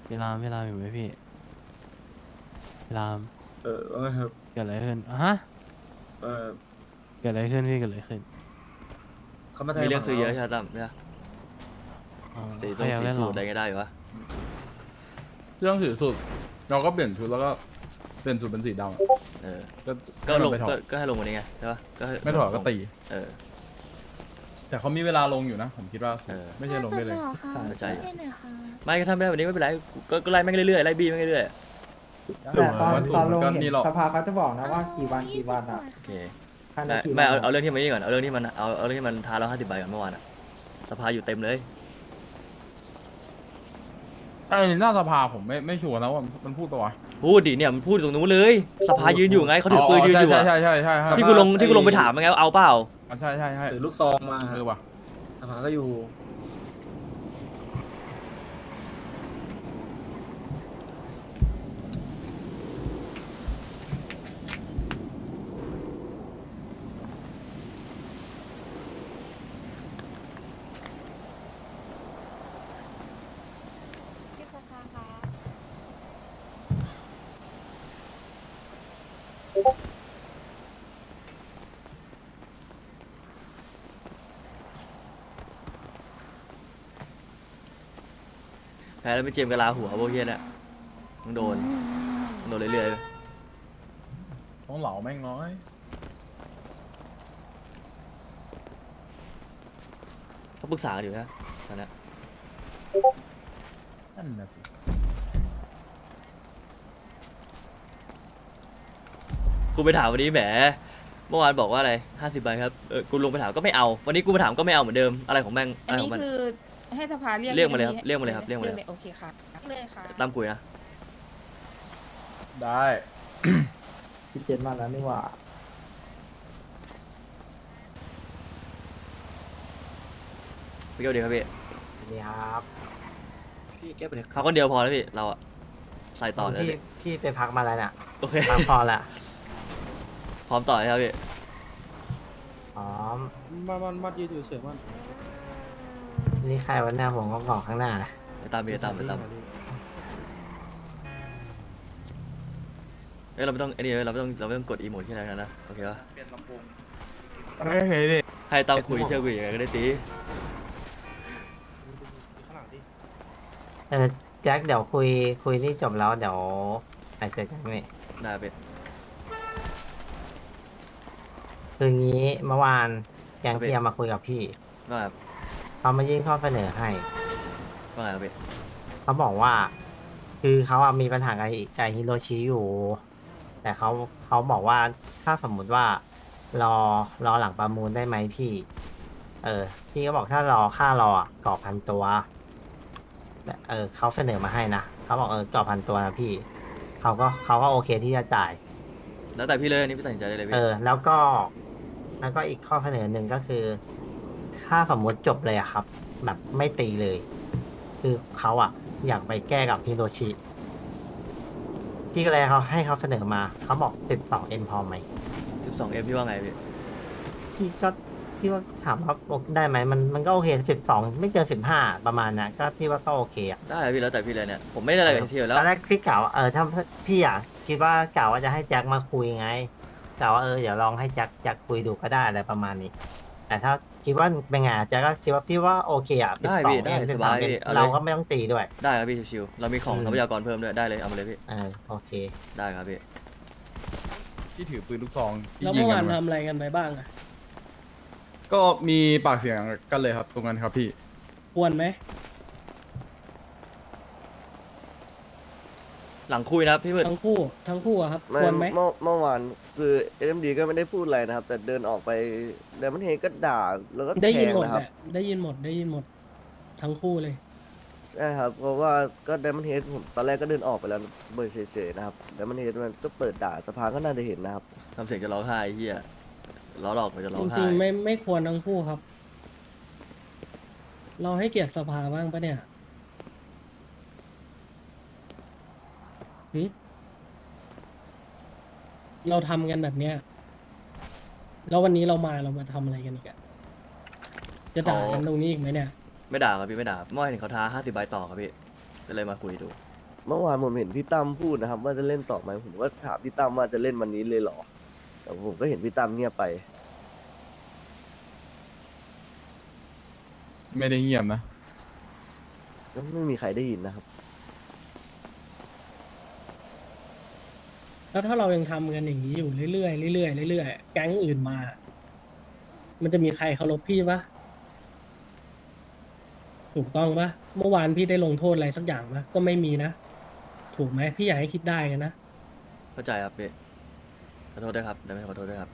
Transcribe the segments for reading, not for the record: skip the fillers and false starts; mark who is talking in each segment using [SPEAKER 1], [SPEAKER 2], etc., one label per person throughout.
[SPEAKER 1] พี่รามอยู่ไหมพี่พี่ราม
[SPEAKER 2] ว่าไงครับ
[SPEAKER 1] เกิดอะไรขึ้นอะฮะ
[SPEAKER 2] เออ
[SPEAKER 1] เกิดอะไรขึ้นพี่เกิดอะไรขึ้น
[SPEAKER 2] เขามาแทง
[SPEAKER 3] มีเรื่องซื้อเยอะใช่
[SPEAKER 2] ไห
[SPEAKER 3] ไหมตั้มเนี่ย
[SPEAKER 1] อ๋อ
[SPEAKER 3] สี
[SPEAKER 1] ใครอยาก
[SPEAKER 3] สี
[SPEAKER 1] เล่นหรอ
[SPEAKER 3] สูตรอะไรก็ได้อยู่วะ
[SPEAKER 4] เรื่องสีสุดเราก็เปลี่ยนชุดแล้วก็เปลี่ยนสูตรเป็นสีดำอะ
[SPEAKER 3] เออ
[SPEAKER 4] ก็
[SPEAKER 3] ก็ลง
[SPEAKER 4] ไม่ถอด
[SPEAKER 3] ก็ให้ลงวันนี้ไงใช่ปะก็ให้
[SPEAKER 4] ไม่ถอดก็ตี
[SPEAKER 3] เออ
[SPEAKER 4] แต่เขามีเวลาลงอยู่นะผมคิดว่า
[SPEAKER 3] เออ
[SPEAKER 4] ไม่ใช่ลงได้เลย
[SPEAKER 5] หรอคะ
[SPEAKER 3] เข้าใจ
[SPEAKER 5] ช่วยหน่อยค่ะ
[SPEAKER 3] ไม่ก็ทำไม่ได้วันนี้ไม่เป็นไรก็ไล่แม่งเรื่อยๆไล่บี้แม่งเรื่อย
[SPEAKER 6] แต่ตอน
[SPEAKER 4] ว่าสู
[SPEAKER 6] ตอน
[SPEAKER 4] มั
[SPEAKER 6] ลง
[SPEAKER 4] ก็
[SPEAKER 6] เห็น
[SPEAKER 4] นี่หรอก
[SPEAKER 6] สภาเขาจะบอกนะว่ากี่วันกี่วันอ่ะ
[SPEAKER 3] ๆโอเค
[SPEAKER 6] ภายใน
[SPEAKER 3] ได้
[SPEAKER 6] กี่
[SPEAKER 3] ไม่
[SPEAKER 6] วัน
[SPEAKER 3] เอาเรื่องที่มันนี่ก่อนเอาเรื่องที่มันเอาเรื่องที่มันทาเรา50 ใบก่อนเมื่อวานอะสภาอยู่เต็มเลย
[SPEAKER 4] ไอ้หน้าสภาผมไม่ชัวร์นะว่ามันพูดปะวะ
[SPEAKER 3] พูดดิเนี่ยมันพูดตรงนู้นเลยสภายืนอยู่ไงเขาถือปืนยืนอยู่อะ
[SPEAKER 4] ใช่ใช่
[SPEAKER 3] ที่กูลงไปถามมันไงว่าเอาเปล่า
[SPEAKER 4] ใช่
[SPEAKER 2] ถือลูกซองมา
[SPEAKER 4] ว่ะ
[SPEAKER 2] สภาก็อยู่
[SPEAKER 5] พี่สภาคะ
[SPEAKER 3] แพ้แล้วไม่เจมส์กะลาหัวพวกเฮียเนี่ยมึงโดนเรื่อยๆเลย
[SPEAKER 4] ต้องเหลาแม่งน้อย
[SPEAKER 3] เขาปรึกษากันอยู่นะตอนเนี้ย
[SPEAKER 4] นั่นน่ะสิ
[SPEAKER 3] กูไปถามวันนี้แหมเมื่อวานบอกว่าอะไร50 ใบครับกูลงไปถามก็ไม่เอาวันนี้กูไปถามก็ไม่เอาเหมือนเดิมอะไรของแม่งอะ
[SPEAKER 7] อัน
[SPEAKER 3] ไรข
[SPEAKER 7] นี้
[SPEAKER 3] องมัน
[SPEAKER 7] คือให้สภาเรียก
[SPEAKER 3] เรียกมาเลยครับ
[SPEAKER 7] อันนี้
[SPEAKER 3] เรียกมาเลยครับเรียกมาเลย
[SPEAKER 7] โอเคค่ะเลยค่ะ
[SPEAKER 3] ตามคุยนะ
[SPEAKER 4] ได้
[SPEAKER 6] พี่เจนมาแล้วนี่หว่า
[SPEAKER 3] พี่เกียวดีครับพี่
[SPEAKER 6] นี่ครับ
[SPEAKER 2] พี่แก้ไปเลย
[SPEAKER 3] เขาคนเดียวพอแล้วพี่เราอะใส่ต่อเลยพี่
[SPEAKER 6] พี่ไปพักมาแล้วเนี่ย
[SPEAKER 3] โอเค
[SPEAKER 6] พักพอละ
[SPEAKER 3] พร้อมต่อเลยครับพี่
[SPEAKER 6] อ๋อ
[SPEAKER 2] มันยืนอยู่เฉยมัน
[SPEAKER 6] นี่ใครวันหน้าผมก็บอกข้างหน้านะ
[SPEAKER 3] ไปตามพี่ไปตามเอ้ยเราไม่ต้องไอ้นี่เราไม่ต้องกดอีโมดที่ไหนกันนะโอเคปะ
[SPEAKER 4] เฮ้ย
[SPEAKER 3] ให้ตามคุยเชื่อคุยยังไงก็ได้ตี
[SPEAKER 6] แจ็คเดี๋ยวคุยนี่จบแล้วเดี๋ยวไปเจอกันนี่
[SPEAKER 3] ได้พี่
[SPEAKER 6] คืองี้เมื่อวานแกงเทียมมาคุยกับพี่
[SPEAKER 3] ว่าแบบ
[SPEAKER 6] เขามายื่นข้อเสนอให้
[SPEAKER 3] ว่าไงครับพี่
[SPEAKER 6] เขาบอกว่า คือเขาอะมีปัญหากับฮิโรชิอยู่ แต่เขาบอกว่าถ้าสมมุติว่ารอหลังประมูลได้ไหมพี่ พี่ก็บอกถ้ารอค่ารออะกรอบ1,000 ตัวแต่เขาเสนอมาให้นะเขาบอกกรอบ1,000 ตัวนะพี่เขาก็โอเคที่จะจ่าย
[SPEAKER 3] แล้วแต่พี่เลยอันนี้พี่ตัดสินใจได้เลยพี่
[SPEAKER 6] แล้วก็อีกข้อเสนอหนึ่งก็คือ ถ้าสมมุติจบเลยอะครับ แบบไม่ตีเลย คือเขาอะอยากไปแก้กับฮิโรชิพี่ก็เลยให้เขาเสนอมาเขาบอก12M พอไหม
[SPEAKER 3] 12M พี่ว่าไงพี่
[SPEAKER 6] พี่ว่าถามว่าได้ไหมมันก็โอเค12ไม่เกิน15ประมาณนะก็พี่ว่าก็โอเคอะ
[SPEAKER 3] ได้พี่แล้วแต่พี่เลยเนี่ยผมไม่ได้อะไรกับที่อยู่แล้ว
[SPEAKER 6] ตอนแรกพี่กล่าวว่าถ้าพี่อะคิดว่ากล่าวว่าจะให้แจ็คมาคุยไงกล่าวว่าเดี๋ยวลองให้แจ็คคุยดูก็ได้อะไรประมาณนี้ แต่ถ้าคิดว่าเป็นไงแจ็คก็คิดว่าพี่ว่าโอเคอะ
[SPEAKER 3] ได้พี่ได้
[SPEAKER 6] 12
[SPEAKER 3] สบายพี่เอาเลย
[SPEAKER 6] เราก็ไม่ต้องตีด้วย
[SPEAKER 3] ได้ครับพี่ชิวๆเรามีของทรัพยากรเพิ่มด้วยได้เลยเอามาเลยพี่
[SPEAKER 6] โอเค
[SPEAKER 3] ได้ครับพี่
[SPEAKER 4] ที่ถือปืนลูกซองที่
[SPEAKER 8] แล้ว
[SPEAKER 4] ยิง
[SPEAKER 8] เมื่อ
[SPEAKER 4] กั
[SPEAKER 8] วาน
[SPEAKER 4] นมา
[SPEAKER 8] ทำอะไรกันไปบ้างอะ
[SPEAKER 4] ก็มีปากเสียงกันเลยครับตรงนั้นครับพี่
[SPEAKER 8] ควรไหม
[SPEAKER 3] หลังคุยนะครับพี่มืด
[SPEAKER 8] ทั้งคู่อะครับ ควรไหม
[SPEAKER 9] เมื่อวานคือเอ็มดีก็ไม่ได้พูดอะไรนะครับ แต่เดินออกไปเดมอนเฮดก็ด่าแล้วก็
[SPEAKER 8] ได้
[SPEAKER 9] แท
[SPEAKER 8] ยิน
[SPEAKER 9] ง
[SPEAKER 8] หมด
[SPEAKER 9] นะครับ
[SPEAKER 8] แหละได้ยินหมด ทั้งคู่เลย
[SPEAKER 9] ใช่ครับ เพราะว่าก็เดมอนเฮดผมตอนแรกก็เดินออกไปแล้วเบอร์เฉยๆนะครับเดมอนเฮดมันก็เปิดด่าสภาก็น่าจะเห็นนะครับ
[SPEAKER 3] ทำเสียงจะร้องไห้ไอ้เฮียล้อหลอกมันจะร้อ
[SPEAKER 8] จ
[SPEAKER 3] งไห้
[SPEAKER 8] ริงๆไม่ควรทั้งคู่ครับ เราให้เกียรติสภาบ้างปะเนี่ยหึเราทำกันแบบเนี้ยแล้ววันนี้เรามาทำอะไรกันอีกอะจะด่ากันตรงนี้อีกไหมเนี่ย
[SPEAKER 3] ไม่ด่าครับพี่ไม่ด่าเมื่อวานเห็นเขาท้า50 ใบต่อครับพี่ก็เลยมาคุยดู
[SPEAKER 9] เมื่อวานผมเห็นพี่ตั้มพูดนะครับ ว่าจะเล่นต่อไหมผมก็ถามพี่ตั้มว่าจะเล่นวันนี้เลยเหรอแต่ผมก็เห็นพี่ตั้มเงียบไป
[SPEAKER 4] ไม่ได้เงียบนะ
[SPEAKER 9] ก็ไม่มีใครได้ยินนะครับ
[SPEAKER 8] แล้วถ้าเรายังทำกันอย่างนี้อยู่เรื่อยๆเรื่อยๆเรื่อยๆแก๊งอื่นมา มันจะมีใครเคารพพี่ปะถูกต้องปะเมื่อวานพี่ได้ลงโทษอะไรสักอย่างปะก็ไม่มีนะ ถูกไหมพี่อยากให้คิดได้กันนะ
[SPEAKER 3] เข้าใจครับพี่ขอโทษด้วยครับได้ไหมขอโทษด้วยครับ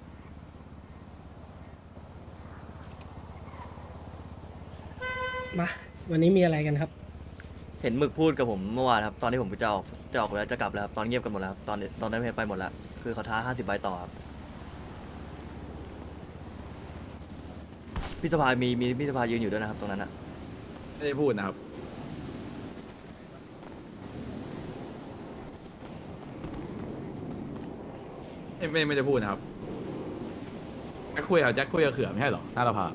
[SPEAKER 8] มา วันนี้มีอะไรกันครับ
[SPEAKER 3] เห็นหมึกพูดกับผมเมื่อวานครับตอนที่ผมจะออกแล้วจะกลับแล้วครับตอนเงียบกันหมดแล้วครับตอนนั้นไปหมดแล้วคือเขาท้า50 ใบต่อครับพี่สภามีพี่สภายืนอยู่ด้วยนะครับตรงนั้นอะ
[SPEAKER 4] ไม่ได้พูดนะครับ ไม่ได้พูดนะครับแจ็คคุยกับเขือไม่ใช่เหรอหน้าสภา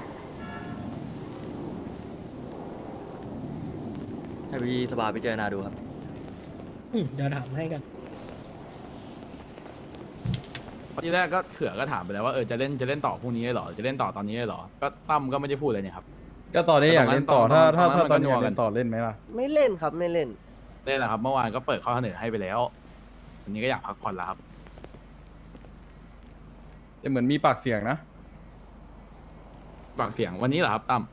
[SPEAKER 3] ให้พี่สภาพิจารณาดูครับ
[SPEAKER 8] เดี๋ยวถามให้กัน
[SPEAKER 4] ทีแรกก็เขือก็ถามไปแล้วว่าจะเล่นต่อพรุ่งนี้เหรอจะเล่นต่อตอนนี้เหรอก็ตั้มก็ไม่ได้พูดเลยเนี่ยครับ
[SPEAKER 5] ก็ตอนนี้อยากเล่นต่อ
[SPEAKER 4] ตอนนั้น
[SPEAKER 5] ถ้า
[SPEAKER 4] ตอนนั้น
[SPEAKER 5] ตอนนี้
[SPEAKER 4] มันก็
[SPEAKER 5] อยากเล่น
[SPEAKER 4] นัวกัน
[SPEAKER 5] ต่อเล่นไหมล่ะ
[SPEAKER 9] ไม่เล่นครับไม่เล่น
[SPEAKER 4] เล่นแหละครับเมื่อวานก็เปิดข้อเสนอให้ไปแล้ววันนี้ก็อยากพักผ่อนแล้วครับ
[SPEAKER 5] แต่เหมือนมีปากเสียงนะ
[SPEAKER 4] ปากเสียงวันนี้เหรอครับตั้ม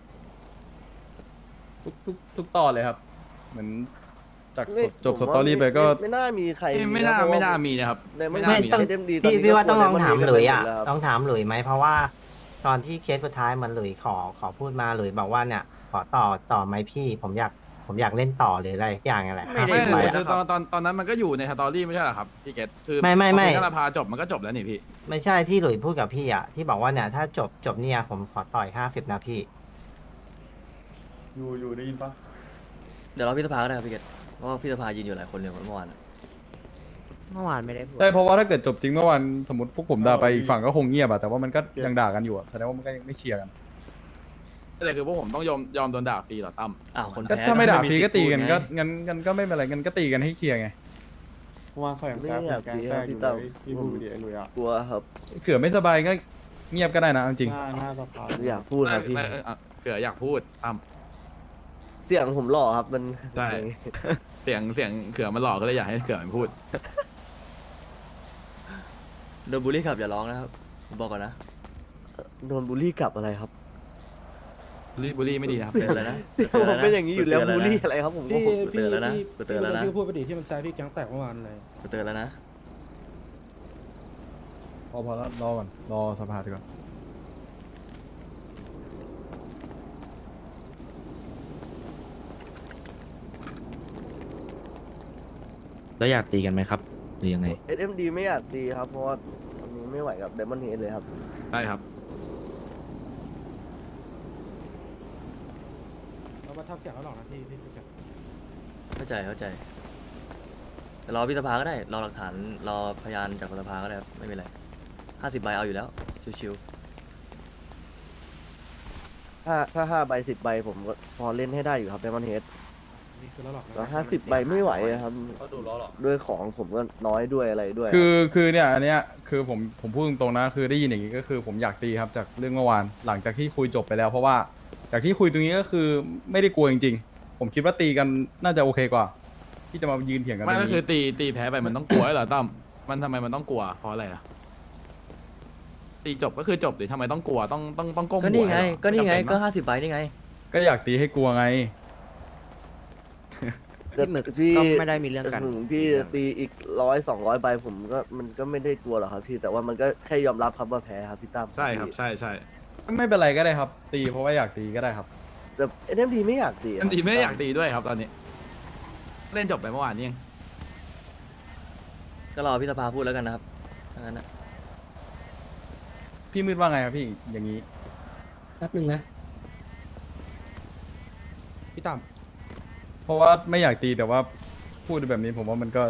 [SPEAKER 5] ทุกตอนเลยครับ เหมือนจาก
[SPEAKER 9] ไม่
[SPEAKER 5] จบ
[SPEAKER 9] ผม
[SPEAKER 5] ส
[SPEAKER 9] ว่า
[SPEAKER 5] ตอรี่ไปก็
[SPEAKER 9] ไม่น่ามีใคร
[SPEAKER 4] ไม่น่า
[SPEAKER 9] เพระว่
[SPEAKER 4] ไม่น่ามีนะครับ
[SPEAKER 9] ในไม่
[SPEAKER 6] ไม่
[SPEAKER 9] น่ามี
[SPEAKER 6] ต้อง
[SPEAKER 9] เต็มดี
[SPEAKER 6] พี่ว่าต้องลองถามหลุยอ่ะ
[SPEAKER 9] แล้วครับ
[SPEAKER 6] ต้องถามหลุยไหมเพราะว่าตอนที่เคสสุดท้ายเหมันหลุยขอพูดมาหลุยบอกว่าเนี่ย ขอต่อไหมพี่ผมอยากเล่นต่อหรืออะไรอย่างอะไร
[SPEAKER 3] ไม่ได้
[SPEAKER 4] ไม่
[SPEAKER 6] 50
[SPEAKER 4] คือ
[SPEAKER 6] ใบอะ
[SPEAKER 4] ตอนนั้นมันก็อยู่ในสตอรี่ไม่ใช่เหรอครับพี่เกตคือ
[SPEAKER 6] ไม่
[SPEAKER 4] ถ้าสภาจบมันก็จบแล้วนี่พี่
[SPEAKER 6] ไม่ใช่ที่หลุยพูดกับพี่อ่ะที่บอกว่าเนี่ยถ้าจบเนี่ยผมขอต่อย50นะพี่
[SPEAKER 5] อยู่ได้ยินปะ
[SPEAKER 3] เดี๋ยวรอพี่สภาก็ได้ครับพี่เกตเพราะว่าพี่สภายืนอยู่หลายคนเลยเมื่อวานอะ
[SPEAKER 10] เมื่อวานไม่ได้พูด
[SPEAKER 5] ใช่เพราะว่าถ้าเกิดจบจริงเมื่อวานสมมติพวกผมด่าไปอีกฝั่งก็คงเงียบอะแต่ว่ามันก็ยังด่ากันอยู่อะแสดงว่ามันก็ยังไม่เคลียร์กัน
[SPEAKER 4] แต่คือพวกผมต้องยอมโดนด่าฟรีเหรอตั้ม
[SPEAKER 3] อ้าวคน
[SPEAKER 5] ก็
[SPEAKER 3] แพ้
[SPEAKER 5] ถ้าไม่ด่า
[SPEAKER 3] สิ
[SPEAKER 5] ฟรี
[SPEAKER 3] ทธิ์
[SPEAKER 5] ก็ตีกัน
[SPEAKER 3] พูด
[SPEAKER 5] ก็
[SPEAKER 3] ไง
[SPEAKER 5] งั้นก็ไม่เป็นไรงั้นก็ตีกันให้เคลียร์ไง
[SPEAKER 2] วางแสง
[SPEAKER 9] ไม่
[SPEAKER 2] แซ่บ
[SPEAKER 9] อยาก
[SPEAKER 2] แกง
[SPEAKER 9] ดีค
[SPEAKER 2] แต
[SPEAKER 9] รับ
[SPEAKER 2] กอ
[SPEAKER 9] พี่
[SPEAKER 2] ยู่
[SPEAKER 9] ตั้ม
[SPEAKER 2] เลยพี่พูดไปดิไอ้หลุยอ่ะ
[SPEAKER 9] กลัวครับ
[SPEAKER 5] เขือไม่สบายก็เงียบก็ได้นะเอาจริง
[SPEAKER 2] หน้าสภา
[SPEAKER 9] อยากพูดครับพี่
[SPEAKER 4] เขืออยากพูดตั้ม
[SPEAKER 9] เสียงผมหล่อครับมัน
[SPEAKER 4] ใช่ เสียงเขือมันหลอกก็เลยอยากให้เขือมันพูด
[SPEAKER 3] โดนบูลลี่ขับอย่าร้องนะครับผมบอกก่อนนะ
[SPEAKER 9] โดนบูลลี่กลับอะไรครับ
[SPEAKER 4] บุรีไม่ดีนะครับ
[SPEAKER 3] เตือนแล้วนะ
[SPEAKER 9] ผมเป็นอย่างนี้อยู่แล้ว
[SPEAKER 3] เตื
[SPEAKER 9] บูลลี่
[SPEAKER 3] นะ
[SPEAKER 9] อะไรครับผม
[SPEAKER 2] พี่
[SPEAKER 3] กูเตือนแล้วนะกูเตือนแล้วนะ
[SPEAKER 2] พี่พูดไปดิที่มันแซ่บพี่แก๊งแตกเมื่อวานเลย
[SPEAKER 3] กูเตือนแล้วนะ
[SPEAKER 5] พอแล้วรอก่อนรอสภาดีกว่า
[SPEAKER 10] แล้วอยากตีกันไหมครับ หรือยังไง
[SPEAKER 9] SMD ไม่อยากตีครับเพราะว่าตอนนี้ไม่ไหวกับ Diamond Head เลยครับ
[SPEAKER 4] ได้ครับ
[SPEAKER 2] เรามาทำเสียงแล้วหรอกนะพี่แก
[SPEAKER 3] เข้าใจแต่รอพี่สภาก็ได้รอหลักฐานรอพยานจากสภาก็ได้ครับไม่เป็นไร50 ใบเอาอยู่แล้วชิว
[SPEAKER 9] ถ้า5 ใบ 10 ใบผมก็พอเล่นให้ได้อยู่ครับ Diamond Head
[SPEAKER 2] นี่คือแล้วหรอกนะ
[SPEAKER 9] แต่50 ใบไม่ไหวอะครับ
[SPEAKER 4] ก็ดูล้อหรอ
[SPEAKER 9] ด้วยของผมก็น้อยด้วยอะไรด้วย
[SPEAKER 5] คือเนี่ยอันเนี้ยคือผมพูดตรงๆนะคือได้ยินอย่างนี้ก็คือผมอยากตีครับจากเรื่องเมื่อวานหลังจากที่คุยจบไปแล้ว เพราะว่าจากที่คุยตรงนี้ก็คือไม่ได้กลัวจริงๆผมคิดว่าตีกันน่าจะโอเคกว่า ที่จะมายืนเถียงกัน
[SPEAKER 4] ไม่
[SPEAKER 5] ตรง
[SPEAKER 4] ก็
[SPEAKER 5] นี้
[SPEAKER 4] คือตีแพ้ไปมันต้องกลัวเหรอตั้มมันทำไมมันต้องกลัวเพราะอะไรอะตีจบก็คือจบดิทำไมต้องกลัวต้องก้ม
[SPEAKER 3] ๆ
[SPEAKER 4] หัว
[SPEAKER 3] ก็นี่ไง
[SPEAKER 4] เหรอ
[SPEAKER 3] ก็นี่ไง
[SPEAKER 4] ม่จำเป็
[SPEAKER 3] ก็
[SPEAKER 4] ปะ
[SPEAKER 3] 50 ใบนี่ไง
[SPEAKER 5] ก็อยากตีให้กลัวไง
[SPEAKER 10] พี่หมึก
[SPEAKER 9] พี่
[SPEAKER 10] ก็ไม่ได้มีเรื่องกัน
[SPEAKER 9] ถึงพี่จะตีอีก100-200 ใบผมก็มันก็ไม่ได้กลัวหรอกครับพี่แต่ว่ามันก็แค่ยอมรับครับว่าแพ้ครับพี่ตั้ม
[SPEAKER 4] ใช่ครับใช่
[SPEAKER 5] ไม่เป็นไรก็ได้ครับ ตีเพราะว่าอยากตีก็ได้ครับ
[SPEAKER 9] แต่ SMD ไม่อยากตีะ
[SPEAKER 4] อันดีไม่ได้อยากตีด้วยครับตอนนี้ เล่นจบไปเมื่อวานนี้เอง
[SPEAKER 3] ก็รอพี่สภาพูดแล้วกันนะครับถ้างั้นนะ
[SPEAKER 5] พี่มืดว่าไงครับพี่อย่างนี้
[SPEAKER 8] แป๊บหนึ่งนะ
[SPEAKER 2] พี่ตั้ม
[SPEAKER 5] เพราะว่าไม่อยากตีแต่ว่าพูดแบบนี้ผมว่ามันก็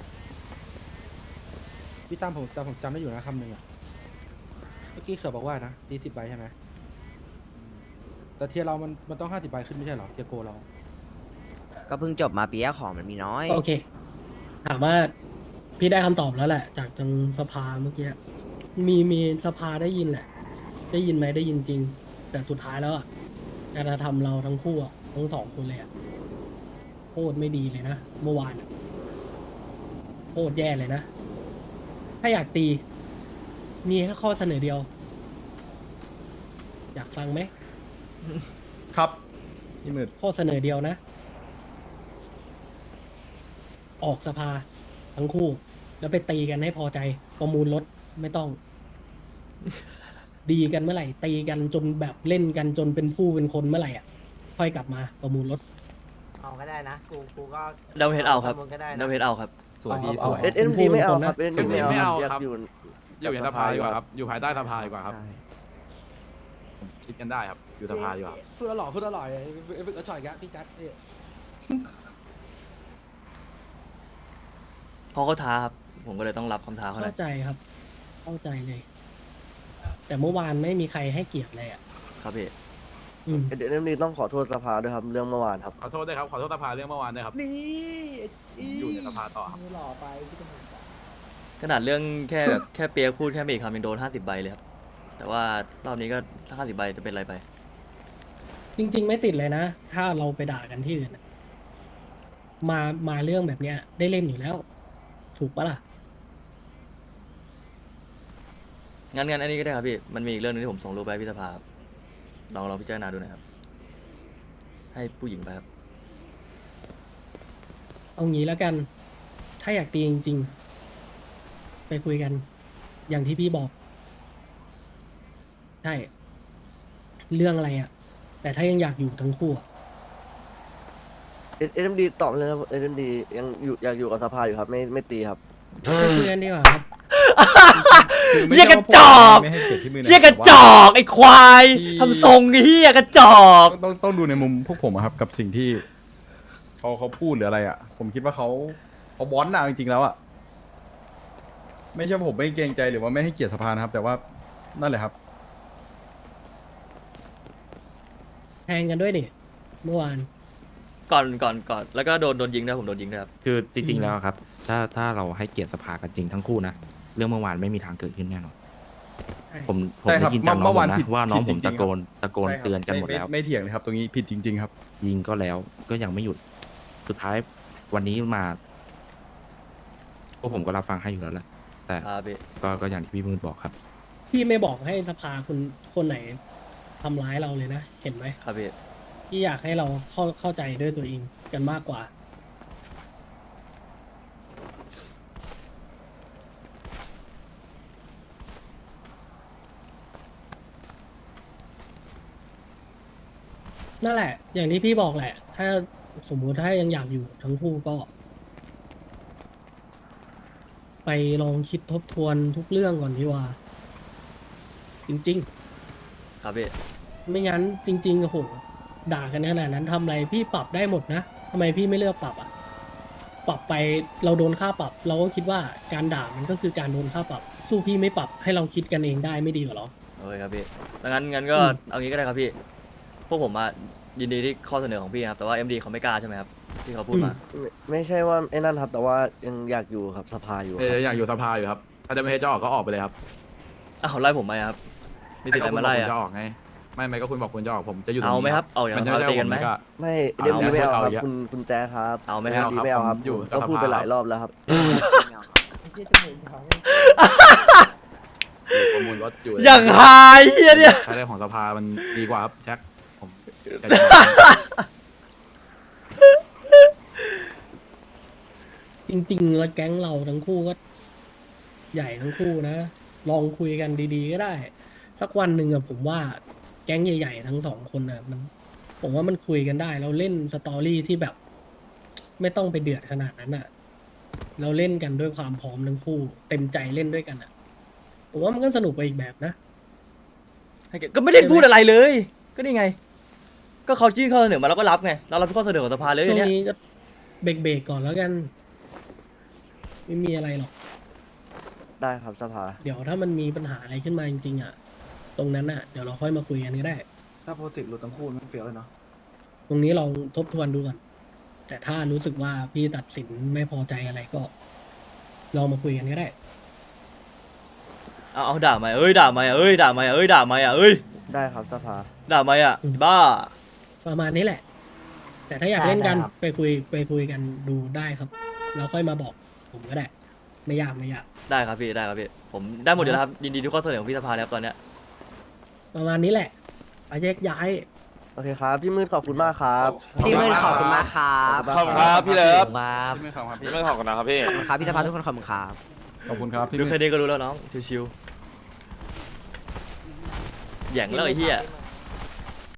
[SPEAKER 2] พี่ตั้มผมจำได้อยู่นะคำหนึ่งอ่ะเมื่อกี้เขือบอกว่านะตี10 ใบใช่ไหมแต่เทียร์เรามันต้อง50 ใบขึ้นไม่ใช่เหรอเทียร์โกเรา
[SPEAKER 10] ก็เพิ่งจบมาปีแรกของมันมีน้อย
[SPEAKER 8] โอเค ถามว่าพี่ได้คำตอบแล้วแหละ จากทางสภาเมื่อกี้มีสภาได้ยินแหละ ได้ยินไหมได้ยินจริง แต่สุดท้ายแล้วอ่ะการกระทำเราทั้งคู่อะทั้งสองคนเลยอ่ะโคตรไม่ดีเลยนะเมื่อวานอะโคตรแย่เลยนะ ถ้าอยากตี มีแค่ข้อเสนอเดียว อยากฟังไหม
[SPEAKER 5] ครับพี่มืด
[SPEAKER 8] ข้อเสนอเดียวนะ ออกสภาทั้งคู่ แล้วไปตีกันให้พอใจ ประมูลรถไม่ต้อง ดีกันเมื่อไหร่ ตีกันจนแบบเล่นกันจนเป็นผู้เป็นคนเมื่อไหร่อ่ะ ค่อยกลับมาประมูลรถ
[SPEAKER 6] เอาก็ได้นะ กูก็
[SPEAKER 3] ดาวเฮดเอาครับ
[SPEAKER 6] ประมูลก็ได้
[SPEAKER 3] ดา
[SPEAKER 6] นะ
[SPEAKER 3] วเฮดเอาครับ
[SPEAKER 2] สวยพี่สวย
[SPEAKER 9] เอ็มดีไม่เอาครับ
[SPEAKER 8] เป็
[SPEAKER 9] เอ็
[SPEAKER 8] น
[SPEAKER 9] ม
[SPEAKER 8] ผู้
[SPEAKER 9] ดี
[SPEAKER 8] น
[SPEAKER 9] ไม่เอา
[SPEAKER 4] ไม่เอา
[SPEAKER 9] อยาก
[SPEAKER 4] ครับ
[SPEAKER 9] อยู่
[SPEAKER 4] อยู่ในสภาดีกว่าครับ อยู่ภายใต้สภาดีกว่าครับ
[SPEAKER 1] ใช่
[SPEAKER 4] คิดกันได้ครับ อยู่สภาดีกว่า
[SPEAKER 2] พูดอร่อยพูดอร่อยไอ้ฝึกกระชอยแกะพี่จัดเอ้ย
[SPEAKER 3] เพราะเขาท้าครับ ผมก็เลยต้องรับคำท้าเขาหน่
[SPEAKER 8] เข้า
[SPEAKER 3] อย
[SPEAKER 8] ใจครับ เข้าใจเลย แต่เมื่อวานไม่มีใครให้เกียรติเลยอ่ะ
[SPEAKER 3] ครับพี่
[SPEAKER 8] อืม
[SPEAKER 9] เอ็มดีต้องขอโทษสภาด้วยครับเรื่องเมื่อวานครับ
[SPEAKER 4] ขอโทษด้วยครับ ขอโทษสภาเรื่องเมื่อวานด้วยครับ
[SPEAKER 2] นี่
[SPEAKER 4] อยู่ในสภาต่อครับ
[SPEAKER 2] หล่อไปพี่ตำรวจ
[SPEAKER 3] ขนาดเรื่องแค่แบบ แค่เปียกพูดแค่ไม่กี่คำยังโดน50 ใบเลยครับ แต่ว่ารอบนี้ก็ถ้า50 ใบจะเป็นอะไรไป
[SPEAKER 8] จริง ๆ ไม่ติดเลยนะ ถ้าเราไปด่ากันที่อื่นอะมาเรื่องแบบเนี้ย ได้เล่นอยู่แล้ว ถูกปะล่ะ
[SPEAKER 3] งั้นอันนี้ก็ได้ครับพี่ มันมีอีกเรื่องนึงที่ผมส่งรูปไปให้พี่สภาครับลองพิจารณาดูหน่อยครับ ให้ผู้หญิงไปครับ
[SPEAKER 8] เอางี้แล้วกัน ถ้าอยากตีจริงๆ ไปคุยกัน อย่างที่พี่บอก ใช่ เรื่องอะไรอ่ะ แต่ถ้ายังอยากอยู่ทั้งคู่อะ
[SPEAKER 9] เอ็มดีตอบเลยครับเอ็มดียังอยู่อยากอยู่กับสภาอยู่ครับไม่ตีครับ
[SPEAKER 8] ไปคุยกันดีกว่าครับ
[SPEAKER 5] คือไม่
[SPEAKER 3] เหี้ย
[SPEAKER 5] ใช่
[SPEAKER 3] กระ
[SPEAKER 5] ว่าผม
[SPEAKER 3] จอก
[SPEAKER 5] ไม่ให้เกียรติพี่มืดนะ
[SPEAKER 3] เฮียกระ
[SPEAKER 5] แต่
[SPEAKER 3] จ
[SPEAKER 5] ว่า
[SPEAKER 3] อกไอ้ควาย
[SPEAKER 5] ที่
[SPEAKER 3] ทำทรงไอ้เฮียกระจอก
[SPEAKER 5] ต้องดูในมุมพวกผมอะครับ กับสิ่งที่เขาพูดหรืออะไรอ่ะ ผมคิดว่าเขาบอนต์อะจริงๆแล้วอ่ะไม่ใช่ว่าผมไม่เกรงใจหรือว่าไม่ให้เกียรติสภานะครับ แต่ว่านั่นแหละครับ
[SPEAKER 8] แทงกันด้วยนี่เมื่อวาน
[SPEAKER 3] ก่อนแล้วก็โดนยิงด้วยผมโดนยิงด้วยครับ
[SPEAKER 10] คือจริงๆแล้วครับ ถ้าเราให้เกียรติสภากันจริงทั้งคู่นะ เรื่องเมื่อวานไม่มีทางเกิดขึ้นแน่นอน ผม
[SPEAKER 5] ใช่ครั
[SPEAKER 10] ได้
[SPEAKER 5] บ
[SPEAKER 10] ยินจากน้อง
[SPEAKER 5] เมื่
[SPEAKER 10] ผ
[SPEAKER 5] อวาน
[SPEAKER 10] มนะ
[SPEAKER 5] ผิด
[SPEAKER 10] ว่าน้อง
[SPEAKER 5] ผิ
[SPEAKER 10] ผ
[SPEAKER 5] ด
[SPEAKER 10] ม
[SPEAKER 5] จริ
[SPEAKER 10] ตะ
[SPEAKER 5] งๆ
[SPEAKER 10] โกน
[SPEAKER 5] ใช่ครับ
[SPEAKER 10] เตือนกันหมดแล้ว
[SPEAKER 5] ไม่เถียงเลยครับ ตรงนี้ผิดจริง ๆ ครับ
[SPEAKER 10] ยิงก็แล้วก็ยังไม่หยุด สุดท้ายวันนี้มาพวกผมก็รับฟังให้อยู่แล้วแหละ แต่
[SPEAKER 3] ครับพี่
[SPEAKER 10] ก็อย่างที่พี่มืดบอกครับ
[SPEAKER 8] พี่ไม่บอกให้สภาคนไหนทำร้ายเราเลยนะ เห็นไหม
[SPEAKER 3] ครับพี่
[SPEAKER 8] พี่อยากให้เราเข้าใจด้วยตัวเองกันมากกว่า นั่นแหละ อย่างที่พี่บอกแหละ ถ้าสมมุติถ้ายังอยากอยู่ทั้งคู่ก็ ไปลองคิดทบทวนทุกเรื่องก่อนดีกว่า จริง
[SPEAKER 3] ครับพี่
[SPEAKER 8] ๆ ไม่งั้นจริงๆโอ้โหด่ากันขนาดนั้นทำอะไรพี่ปรับได้หมดนะทำไมพี่ไม่เลือกปรับอ่ะ ปรับไปเราโดนค่าปรับ เราก็คิดว่าการด่ามันก็คือการโดนค่าปรับ สู้พี่ไม่ปรับให้เราคิดกันเองได้ไม่ดีกว่าหรอ
[SPEAKER 3] โอเคครับพี่แล้วงั้นก็
[SPEAKER 8] อืม
[SPEAKER 3] เอางี้ก็ได้ครับพี่ พวกผมมายินดีที่ข้อเสนอของพี่ครับ แต่ว่า MD เขาไม่กล้าใช่ไหมครับ ที่เขาพูดมา
[SPEAKER 9] ไม่ใช่ว่าไอ้นั่นครับ แต่ว่ายังอยากอยู่กับสภาอยู่ครับ
[SPEAKER 4] อยากอยู่สภาอยู่ครับ ถ้าจะไม่ให้จะออกก็ออกไปเลยครับ
[SPEAKER 3] อ้าวไล่ผมไปครับ มีสิทธิ์อะไรมาไล่
[SPEAKER 4] ก็คุณบอกคุณจะ
[SPEAKER 3] อะ
[SPEAKER 4] ออกไง ไม่ก็คุณบอกคุณจะออกผมจะอยู่ตรง
[SPEAKER 3] เอา
[SPEAKER 4] นี้
[SPEAKER 3] ไหมครับ เอาอย่าง
[SPEAKER 4] มัน
[SPEAKER 3] นั้น
[SPEAKER 4] จะ
[SPEAKER 3] เราตีกันไหม
[SPEAKER 4] ก็
[SPEAKER 9] ไม่เอ็มดีไม่เอาครับ
[SPEAKER 4] เอา
[SPEAKER 9] คุณแจ๊คครับ
[SPEAKER 3] เอาไหม
[SPEAKER 9] เอ็
[SPEAKER 3] ครับ
[SPEAKER 9] มดีไม่เอาครับ
[SPEAKER 4] อยู่
[SPEAKER 9] ก็พูดไปหลายรอบแล้วครับ
[SPEAKER 4] ประมูลรถอยู่
[SPEAKER 3] อย่างหายเฮียเนี่ย
[SPEAKER 4] ถ้าเรื่องของสภามันดีกว่าครับแจ็คผมอยากจะ
[SPEAKER 8] จริงๆแล้วแก๊งเราทั้งคู่ก็ใหญ่ทั้งคู่นะ ลองคุยกันดีๆก็ได้ สักวันหนึ่งอะผมว่าแก๊งใหญ่ๆทั้งสองคนอะผมว่ามันคุยกันได้ เราเล่นสตอรี่ที่แบบ ไม่ต้องไปเดือดขนาดนั้นอะเราเล่นกันด้วยความพร้อมทั้งคู่ เต็มใจเล่นด้วยกันอะผมว่ามันก็สนุกไปอีกแบบนะ
[SPEAKER 3] ก็ไม่ได้พูดอะไรเลย ก็นี่ไง ก็เขายื่นข้อเสนอมาเราก็รับไง เรารับข้อเสนอของสภาเลย
[SPEAKER 8] ช่วง
[SPEAKER 3] เนี่ย
[SPEAKER 8] นี้ก็เบรกๆก่อนแล้วกัน ไม่มีอะไรหรอก
[SPEAKER 9] ได้ครับสภา
[SPEAKER 8] เดี๋ยวถ้ามันมีปัญหาอะไรขึ้นมาจริงๆอะตรงนั้นอะเดี๋ยวเราค่อยมาคุยกันก็ได้
[SPEAKER 2] ถ้าโปรเจกต์หลุดทั้งคู่มันเฟี้ยวเลยเนาะ
[SPEAKER 8] ตรงนี้ลองทบทวนดูก่อนแต่ถ้ารู้สึกว่าพี่ตัดสินไม่พอใจอะไรก็ลองมาคุยกันก็ได้
[SPEAKER 3] เอาด่าไหมด่าไหมด่าไหมด่าไหม
[SPEAKER 9] ได้ครับสภา
[SPEAKER 3] ด่าไหมบ้า
[SPEAKER 8] ประมาณนี้แหละ แต่ถ้าอยากเล่นกัน
[SPEAKER 6] ได้ครับ
[SPEAKER 8] ไปคุยกันดูได้ครับแล้วค่อยมาบอกผมก็ได้ ไม่ยาก
[SPEAKER 3] ได้ครับพี่ได้ครับพี่ผมได้หมดอยู่แล้วครับยินดีทุกข้อเสนอของพี่สภาแล้วตอนเนี้ย
[SPEAKER 8] ประมาณนี้แหละไปแยกย้าย
[SPEAKER 9] โอเคครับพี่มืดขอบคุณมากครับ
[SPEAKER 11] พี่มืดขอบคุณมากครับ
[SPEAKER 9] ขอบคุณครับพี่เลิฟ
[SPEAKER 11] ครับ
[SPEAKER 5] ไม่ขำครับพี่
[SPEAKER 11] ไม่ขอบคุณนะครับพี่ครับพี่สภาทุกคนขอบคุณครับ
[SPEAKER 5] ขอบคุณครับพี่
[SPEAKER 3] ดู
[SPEAKER 5] มื
[SPEAKER 3] แค่
[SPEAKER 5] ด
[SPEAKER 3] นี้ก็รู้แล้วน้องชิวๆแหย่งแล้วไอ้เหี้ย
[SPEAKER 11] ค